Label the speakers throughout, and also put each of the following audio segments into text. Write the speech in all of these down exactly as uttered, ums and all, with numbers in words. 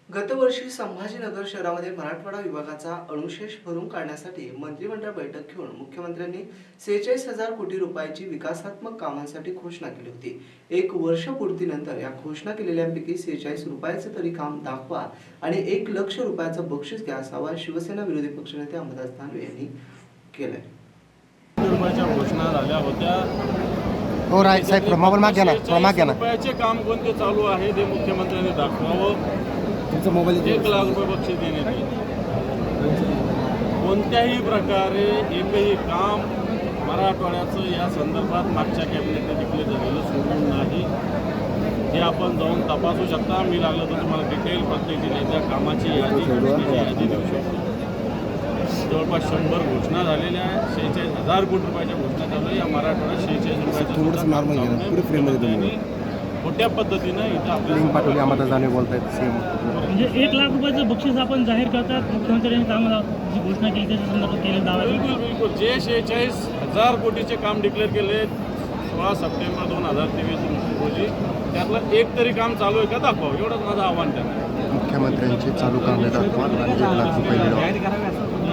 Speaker 1: गतवर्षी संभाजीनगर शहरामध्ये मराठवाडा विभागाचा अनुशेष भरून काढण्यासाठी मंत्रिमंडळ बैठक घेऊन मुख्यमंत्र्यांनी सेहेचाळीस हजार कोटी रुपयाची विकासात्मक कामांसाठी घोषणा केली होती। एक वर्ष पूर्तीनंतर या घोषणा केलेल्यांपैकी सेहेचाळीस रुपयाचे तरी काम दाखवा आणि एक लक्ष रुपयाचं बक्षीस घ्या असा आवाहन शिवसेना विरोधी पक्षनेते अंबादास दानवे यांनी केलंय।
Speaker 2: रुपयाच्या घोषणा झाल्या होत्या।
Speaker 3: हो राय साहेब मोबाईल माग घ्या ना माग घ्या ना
Speaker 2: रुपयाचे काम कोणते चालू आहे ते मुख्यमंत्र्यांनी दाखवावं।
Speaker 3: तुमचा मोबाईल
Speaker 2: एक लाख रुपये बक्षीस देण्यात येईल। कोणत्याही प्रकारे एकही काम मराठवाड्याचं या संदर्भात मागच्या कॅबिनेटने डिक्लेअर झालेलं सोडून नाही हे आपण जाऊन तपासू शकता। मी लागलं तर तुम्हाला डिटेल पद्धतीने त्या कामाची यादी यादी देऊ शकतो। जवळपास शंभर घोषणा झालेल्या आहेत। शेहेचाळीस हजार कोटी रुपयाच्या घोषणा चालू आहे। या मराठवाड्यात शेहेचाळीस रुपयाचं मोठ्या पद्धतीनं इथं आपल्याला
Speaker 3: पाठवली अंबादास दानवे बोलतायत सीएम
Speaker 4: म्हणजे एक लाख रुपयाचं बक्षीस आपण जाहीर करतात। मुख्यमंत्र्यांनी कामाला जी घोषणा केली त्याच्या संदर्भात केले दावा
Speaker 2: बिलकुल बिलकुल जे शेहेचाळीस हजार कोटीचे काम डिक्लेअर केले सोळा सप्टेंबर दोन हजार तेवीस रोजी त्यातलं एक तरी काम चालू आहे का दाखवा, एवढंच माझं आव्हान त्यांना।
Speaker 3: मुख्यमंत्र्यांचे चालू कामे दाखवा आणि एक लाख रुपये मिळवा।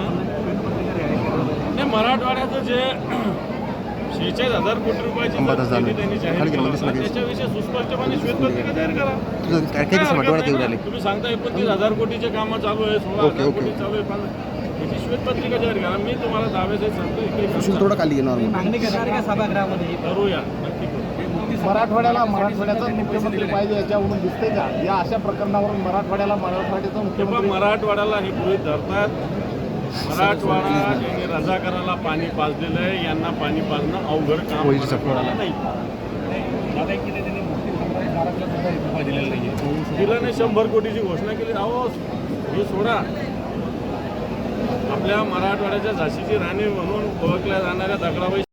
Speaker 2: नाही, मराठवाड्याचं जे शेहेचाळीस हजार कोटी रुपयाची त्यांनी जाहीर केलं त्याच्याविषयी सुस्पष्टपणे श्वेतपत्रिका जाहीर करा। तुम्ही सांगता एकोणतीस हजार कोटीचे कामं चालू आहे, सोळा हजार कोटी चालू आहे, त्याची श्वेतपत्रिका जाहीर करा। मी तुम्हाला दाव्यासहित सांगतो
Speaker 3: थोडं खाली घेणार
Speaker 4: मागणी करणार का सभागृहामध्ये
Speaker 2: करूया, नक्की करू।
Speaker 5: मराठवाड्याला मराठवाड्याचा मुख्यमंत्री पाहिजे याच्यावरून दिसते का? या अशा प्रकरणावरून मराठवाड्याला मराठवाड्याचा मुख्यमंत्री
Speaker 2: मराठवाड्याला हे गृहीत धरतात। मराठवाडा यांनी रजाकाराला पाणी पाजलेलं आहे, यांना पाणी पाजणं अवघड काम मराठवाड्याला नाही। दिलं नाही, शंभर कोटीची घोषणा केली। अहो हे सोडा, आपल्या मराठवाड्याच्या झाशीची राणी म्हणून ओळखल्या जाणाऱ्या दगडाबाई